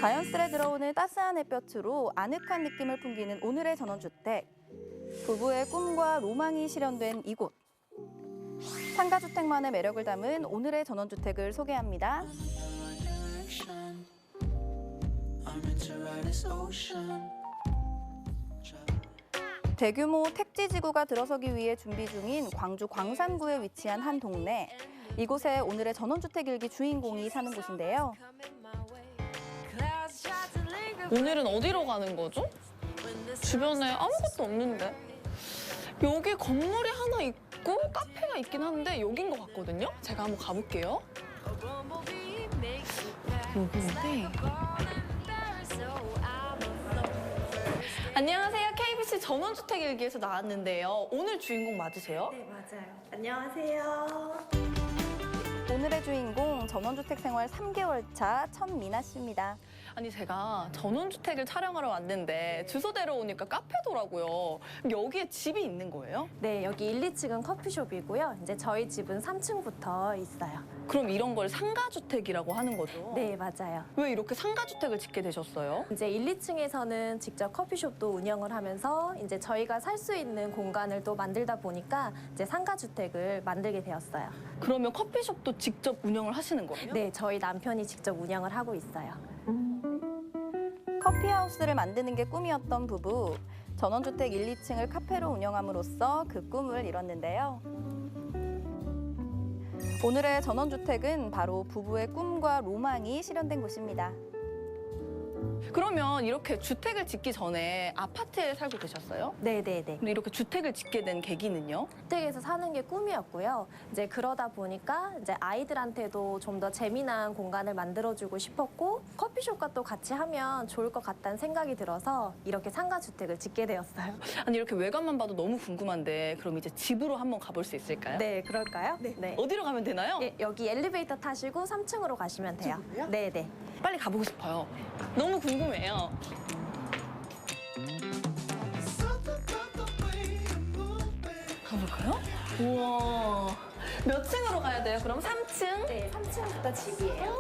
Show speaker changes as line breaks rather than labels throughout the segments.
자연스레 들어오는 따스한 햇볕으로 아늑한 느낌을 풍기는 오늘의 전원주택. 부부의 꿈과 로망이 실현된 이곳. 상가주택만의 매력을 담은 오늘의 전원주택을 소개합니다. 대규모 택지지구가 들어서기 위해 준비 중인 광주 광산구에 위치한 한 동네. 이곳에 오늘의 전원주택 일기 주인공이 사는 곳인데요.
오늘은 어디로 가는 거죠? 주변에 아무것도 없는데. 여기 건물이 하나 있고 카페가 있긴 한데 여긴 것 같거든요? 제가 한번 가볼게요. 여기인데. 안녕하세요. KBC 전원주택일기에서 나왔는데요. 오늘 주인공 맞으세요?
네, 맞아요. 안녕하세요.
오늘의 주인공 전원주택 생활 3개월 차 천미나 씨입니다.
아니 제가 전원주택을 촬영하러 왔는데 주소대로 오니까 카페더라고요. 여기에 집이 있는 거예요?
네, 여기 1, 2층은 커피숍이고요. 이제 저희 집은 3층부터 있어요.
그럼 이런 걸 상가주택이라고 하는 거죠?
네, 맞아요.
왜 이렇게 상가주택을 짓게 되셨어요?
이제 1, 2층에서는 직접 커피숍도 운영을 하면서 이제 저희가 살 수 있는 공간을 또 만들다 보니까 이제 상가주택을 만들게 되었어요.
그러면 커피숍도 직접 운영을 하시는 거예요?
네, 저희 남편이 직접 운영을 하고 있어요.
커피하우스를 만드는 게 꿈이었던 부부. 전원주택 1, 2층을 카페로 운영함으로써 그 꿈을 이뤘는데요. 오늘의 전원주택은 바로 부부의 꿈과 로망이 실현된 곳입니다.
그러면 이렇게 주택을 짓기 전에 아파트에 살고 계셨어요?
네네네.
근데 이렇게 주택을 짓게 된 계기는요?
주택에서 사는 게 꿈이었고요. 이제 그러다 보니까 이제 아이들한테도 좀 더 재미난 공간을 만들어주고 싶었고 커피숍과 또 같이 하면 좋을 것 같다는 생각이 들어서 이렇게 상가주택을 짓게 되었어요.
아니 이렇게 외관만 봐도 너무 궁금한데 그럼 이제 집으로 한번 가볼 수 있을까요?
네, 그럴까요? 네.
어디로 가면 되나요?
예, 여기 엘리베이터 타시고 3층으로 가시면 돼요. 네네.
빨리 가보고 싶어요. 너무 궁금해요. 가볼까요? 우와. 몇 층으로 가야 돼요? 그럼 3층?
네, 3층부터 집이에요.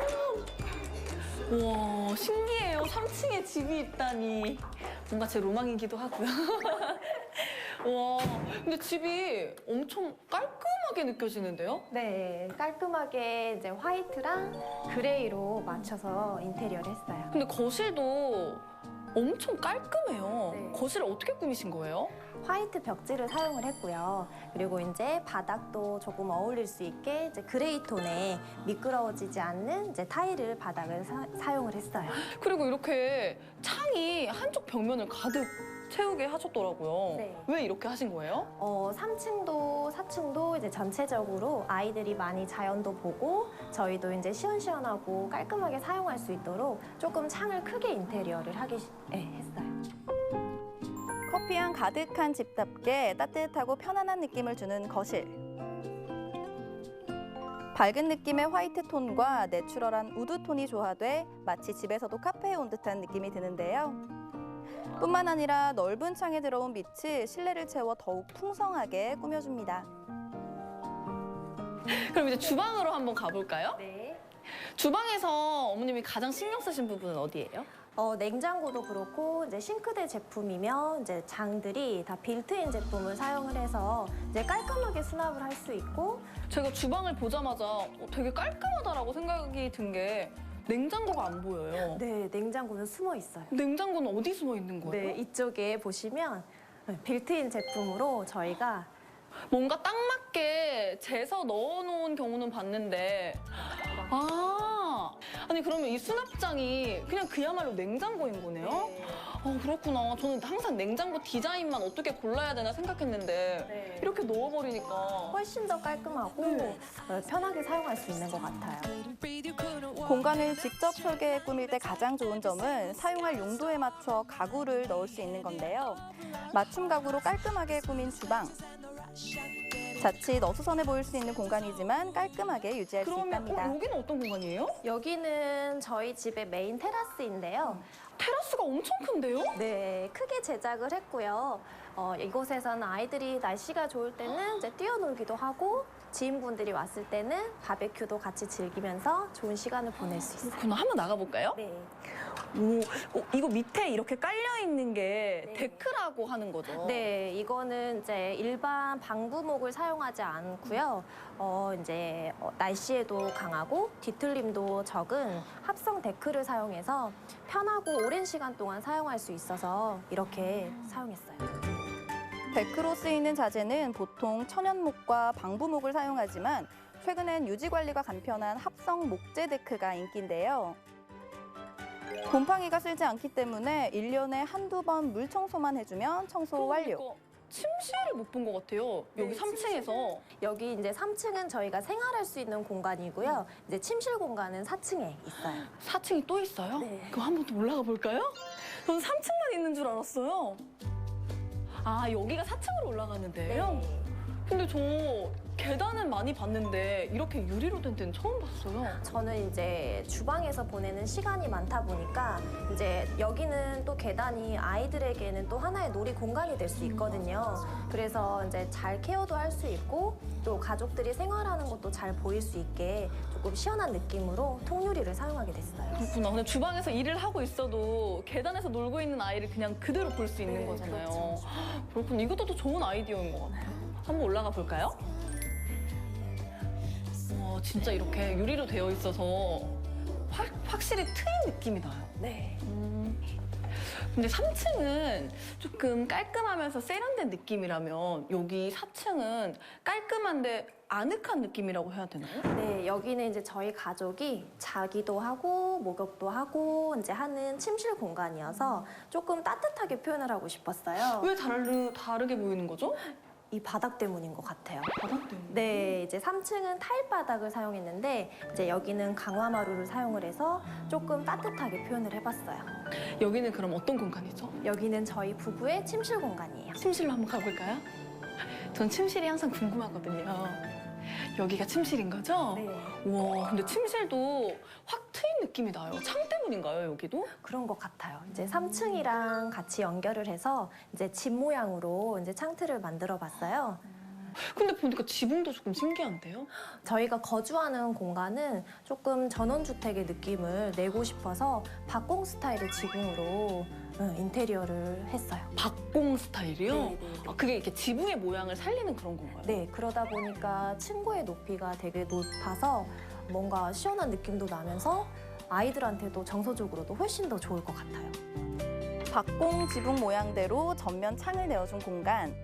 우와, 신기해요. 3층에 집이 있다니. 뭔가 제 로망이기도 하고요. 와, 근데 집이 엄청 깔끔하게 느껴지는데요?
네, 깔끔하게 이제 화이트랑 그레이로 맞춰서 인테리어를 했어요.
근데 거실도 엄청 깔끔해요.
네.
거실을 어떻게 꾸미신 거예요?
화이트 벽지를 사용을 했고요. 그리고 이제 바닥도 조금 어울릴 수 있게 이제 그레이 톤에 미끄러워지지 않는 이제 타일을 바닥을 사용을 했어요.
그리고 이렇게 창이 한쪽 벽면을 가득 채우게 하셨더라고요.
네.
왜 이렇게 하신 거예요?
3층도 4층도 이제 전체적으로 아이들이 많이 자연도 보고 저희도 이제 시원시원하고 깔끔하게 사용할 수 있도록 조금 창을 크게 인테리어를 했어요.
커피향 가득한 집답게 따뜻하고 편안한 느낌을 주는 거실. 밝은 느낌의 화이트 톤과 내추럴한 우드 톤이 조화돼 마치 집에서도 카페에 온 듯한 느낌이 드는데요. 뿐만 아니라 넓은 창에 들어온 빛이 실내를 채워 더욱 풍성하게 꾸며줍니다.
그럼 이제 주방으로 한번 가볼까요?
네.
주방에서 어머님이 가장 신경 쓰신 부분은 어디예요?
냉장고도 그렇고 이제 싱크대 제품이며 이제 장들이 다 빌트인 제품을 사용을 해서 이제 깔끔하게 수납을 할 수 있고
제가 주방을 보자마자 되게 깔끔하다라고 생각이 든 게 냉장고가 안 보여요.
네, 냉장고는 숨어 있어요.
냉장고는 어디 숨어 있는 거예요?
네, 이쪽에 보시면 빌트인 제품으로 저희가
뭔가 딱 맞게 재서 넣어놓은 경우는 봤는데 아니 그러면 이 수납장이 그냥 그야말로 냉장고인 거네요?
네.
그렇구나. 저는 항상 냉장고 디자인만 어떻게 골라야 되나 생각했는데
네.
이렇게 넣어버리니까
훨씬 더 깔끔하고
네.
편하게 사용할 수 있는 것 같아요.
공간을 직접 설계해 꾸밀 때 가장 좋은 점은 사용할 용도에 맞춰 가구를 넣을 수 있는 건데요. 맞춤 가구로 깔끔하게 꾸민 주방. 자칫 어수선해 보일 수 있는 공간이지만 깔끔하게 유지할 수
그러면
있답니다.
여기는 어떤 공간이에요?
여기는 저희 집의 메인 테라스인데요.
테라스가 엄청 큰데요?
네, 크게 제작을 했고요. 이곳에서는 아이들이 날씨가 좋을 때는 이제 뛰어놀기도 하고 지인분들이 왔을 때는 바베큐도 같이 즐기면서 좋은 시간을 보낼 수 있어요.
그럼 한번 나가볼까요?
네.
이거 밑에 이렇게 깔려있는 게
네.
데크라고 하는 거죠?
네, 이거는 이제 일반 방부목을 사용하지 않고요. 날씨에도 강하고 뒤틀림도 적은 합성 데크를 사용해서 편하고 오랜 시간 동안 사용할 수 있어서 이렇게 사용했어요.
데크로 쓰이는 자재는 보통 천연목과 방부목을 사용하지만 최근엔 유지 관리가 간편한 합성 목재 데크가 인기인데요. 곰팡이가 쓸지 않기 때문에 1년에 한두 번 물 청소만 해주면 청소 완료.
그러니까 침실을 못 본 것 같아요. 여기
네,
3층에서.
여기 이제 3층은 저희가 생활할 수 있는 공간이고요. 이제 침실 공간은 4층에 있어요.
4층이 또 있어요?
네.
그럼 한 번 더 올라가 볼까요? 저는 3층만 있는 줄 알았어요. 아, 여기가 4층으로 올라가는데요? 근데 저 계단은 많이 봤는데 이렇게 유리로 된 데는 처음 봤어요.
저는 이제 주방에서 보내는 시간이 많다 보니까 이제 여기는 또 계단이 아이들에게는 또 하나의 놀이 공간이 될 수 있거든요. 그래서 이제 잘 케어도 할 수 있고 또 가족들이 생활하는 것도 잘 보일 수 있게 조금 시원한 느낌으로 통유리를 사용하게 됐어요.
그렇구나. 근데 주방에서 일을 하고 있어도 계단에서 놀고 있는 아이를 그냥 그대로 볼 수 있는
네,
거잖아요.
그렇죠.
그렇군요. 이것도 또 좋은 아이디어인 것 같아요. 한번 올라가 볼까요? 와, 진짜 이렇게 유리로 되어 있어서 확실히 트인 느낌이 나요.
네.
근데 3층은 조금 깔끔하면서 세련된 느낌이라면 여기 4층은 깔끔한데 아늑한 느낌이라고 해야 되나요?
네, 여기는 이제 저희 가족이 자기도 하고 목욕도 하고 이제 하는 침실 공간이어서 조금 따뜻하게 표현을 하고 싶었어요.
왜 다르게 보이는 거죠?
이 바닥 때문인 것 같아요.
바닥 때문에.
네, 이제 3층은 타일 바닥을 사용했는데 이제 여기는 강화마루를 사용을 해서 조금 따뜻하게 표현을 해봤어요.
여기는 그럼 어떤 공간이죠?
여기는 저희 부부의 침실 공간이에요.
침실로 한번 가볼까요? 전 침실이 항상 궁금하거든요. 여기가 침실인 거죠?
네,
와, 근데 침실도 확 트인 느낌이 나요. 창 때문인가요, 여기도?
그런 것 같아요. 이제 3층이랑 같이 연결을 해서 이제 집 모양으로 이제 창틀을 만들어-봤어요.
근데 보니까 지붕도 조금 신기한데요?
저희가 거주하는 공간은 조금 전원주택의 느낌을 내고 싶어서 박공 스타일의 지붕으로 인테리어를 했어요.
박공 스타일이요?
네.
아, 그게 이렇게 지붕의 모양을 살리는 그런 건가요?
네, 그러다 보니까 층고의 높이가 되게 높아서 뭔가 시원한 느낌도 나면서 아이들한테도 정서적으로도 훨씬 더 좋을 것 같아요.
박공 지붕 모양대로 전면 창을 내어준 공간.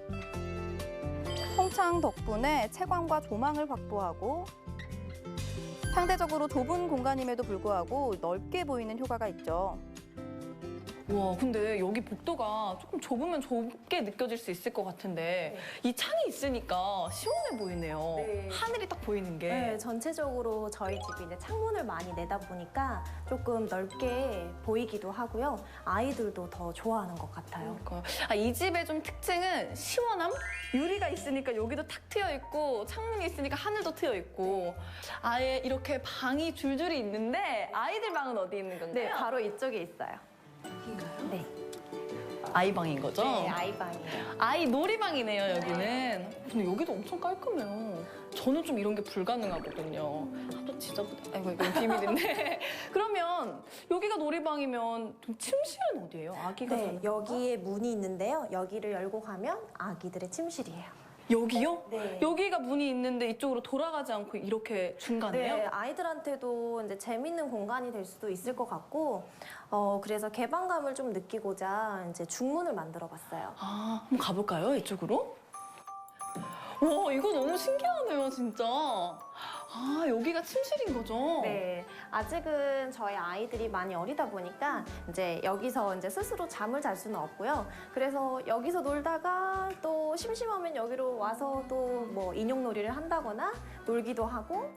통창 덕분에 채광과 조망을 확보하고 상대적으로 좁은 공간임에도 불구하고 넓게 보이는 효과가 있죠.
와, 근데 여기 복도가 조금 좁으면 좁게 느껴질 수 있을 것 같은데 이 창이 있으니까 시원해 보이네요.
네.
하늘이 딱 보이는 게.
네, 전체적으로 저희 집이 이제 창문을 많이 내다 보니까 조금 넓게 보이기도 하고요. 아이들도 더 좋아하는 것 같아요.
그러니까 이 집의 좀 특징은 시원함? 유리가 있으니까 여기도 탁 트여 있고 창문이 있으니까 하늘도 트여 있고 아예 이렇게 방이 줄줄이 있는데 아이들 방은 어디 있는 건가요?
네, 바로 이쪽에 있어요.
여기인가요?
네,
아이 방인 거죠?
네, 아이방이에요.
아이 놀이방이네요, 여기는. 근데 여기도 엄청 깔끔해요. 저는 좀 이런 게 불가능하거든요. 아, 또 지저분해. 아이고, 이건 비밀인데. 그러면 여기가 놀이방이면 좀 침실은 어디예요? 아기가
네,
사는
여기에 문이 있는데요. 여기를 열고 가면 아기들의 침실이에요.
여기요?
네.
여기가 문이 있는데 이쪽으로 돌아가지 않고 이렇게 중간에요?
네, 아이들한테도 이제 재밌는 공간이 될 수도 있을 것 같고, 그래서 개방감을 좀 느끼고자 이제 중문을 만들어-봤어요.
아, 한번 가볼까요? 이쪽으로? 와, 이거 너무 신기하네요, 진짜. 아, 여기가 침실인 거죠?
네, 아직은 저희 아이들이 많이 어리다 보니까 이제 여기서 이제 스스로 잠을 잘 수는 없고요. 그래서 여기서 놀다가 또 심심하면 여기로 와서 또 뭐 인형놀이를 한다거나 놀기도 하고.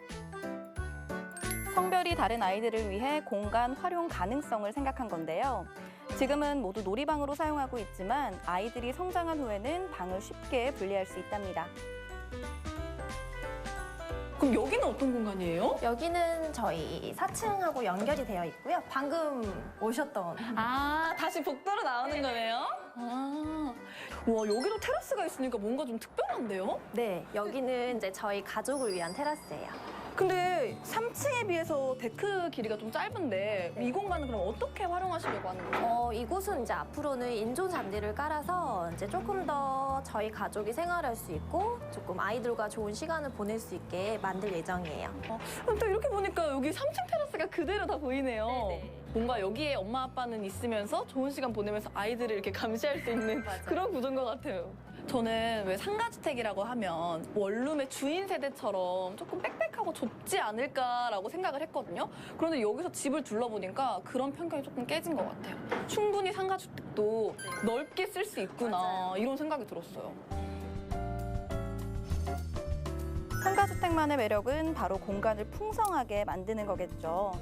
성별이 다른 아이들을 위해 공간 활용 가능성을 생각한 건데요. 지금은 모두 놀이방으로 사용하고 있지만 아이들이 성장한 후에는 방을 쉽게 분리할 수 있답니다.
그럼 여기는 어떤 공간이에요?
여기는 저희 4층하고 연결이 되어 있고요. 방금 오셨던
아, 다시 복도로 나오는 거네요? 아, 와, 여기도 테라스가 있으니까 뭔가 좀 특별한데요?
네, 여기는 이제 저희 가족을 위한 테라스예요.
근데 3층에 비해서 데크 길이가 좀 짧은데 이 공간은 그럼 어떻게 활용하시려고 하는 거예요?
이곳은 이제 앞으로는 인조 잔디를 깔아서 이제 조금 더 저희 가족이 생활할 수 있고 조금 아이들과 좋은 시간을 보낼 수 있게 만들 예정이에요.
그럼 또 이렇게 보니까 여기 3층 테라스가 그대로 다 보이네요.
네네.
뭔가 여기에 엄마 아빠는 있으면서 좋은 시간 보내면서 아이들을 이렇게 감시할 수 있는
맞아요.
그런 구조인 것 같아요. 저는 왜 상가주택이라고 하면 원룸의 주인 세대처럼 조금 빽빽하고 좁지 않을까라고 생각을 했거든요. 그런데 여기서 집을 둘러보니까 그런 편견이 조금 깨진 것 같아요. 충분히 상가주택도 넓게 쓸 수 있구나
맞아요.
이런 생각이 들었어요.
상가주택만의 매력은 바로 공간을 풍성하게 만드는 거겠죠.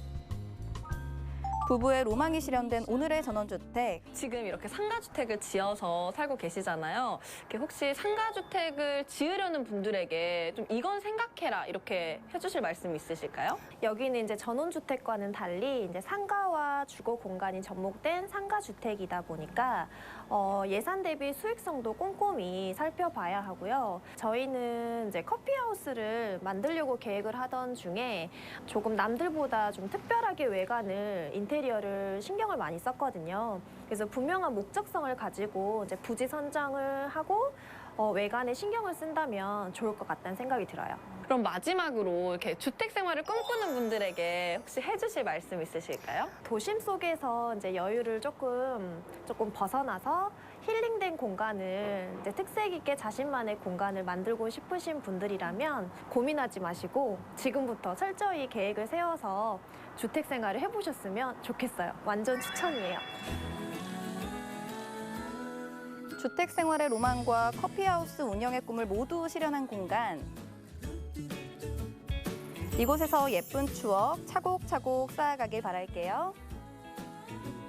부부의 로망이 실현된 오늘의 전원주택.
지금 이렇게 상가주택을 지어서 살고 계시잖아요. 이렇게 혹시 상가주택을 지으려는 분들에게 좀 이건 생각해라 이렇게 해주실 말씀 있으실까요?
여기는 이제 전원주택과는 달리 이제 상가와 주거 공간이 접목된 상가주택이다 보니까 예산 대비 수익성도 꼼꼼히 살펴봐야 하고요. 저희는 이제 커피하우스를 만들려고 계획을 하던 중에 조금 남들보다 좀 특별하게 외관을 인테리어를 신경을 많이 썼거든요. 그래서 분명한 목적성을 가지고 이제 부지 선정을 하고 외관에 신경을 쓴다면 좋을 것 같다는 생각이 들어요.
그럼 마지막으로 이렇게 주택 생활을 꿈꾸는 분들에게 혹시 해주실 말씀 있으실까요?
도심 속에서 이제 여유를 조금 벗어나서 힐링된 공간을 이제 특색 있게 자신만의 공간을 만들고 싶으신 분들이라면 고민하지 마시고 지금부터 철저히 계획을 세워서 주택 생활을 해보셨으면 좋겠어요. 완전 추천이에요.
주택 생활의 로망과 커피하우스 운영의 꿈을 모두 실현한 공간. 이곳에서 예쁜 추억 차곡차곡 쌓아가길 바랄게요.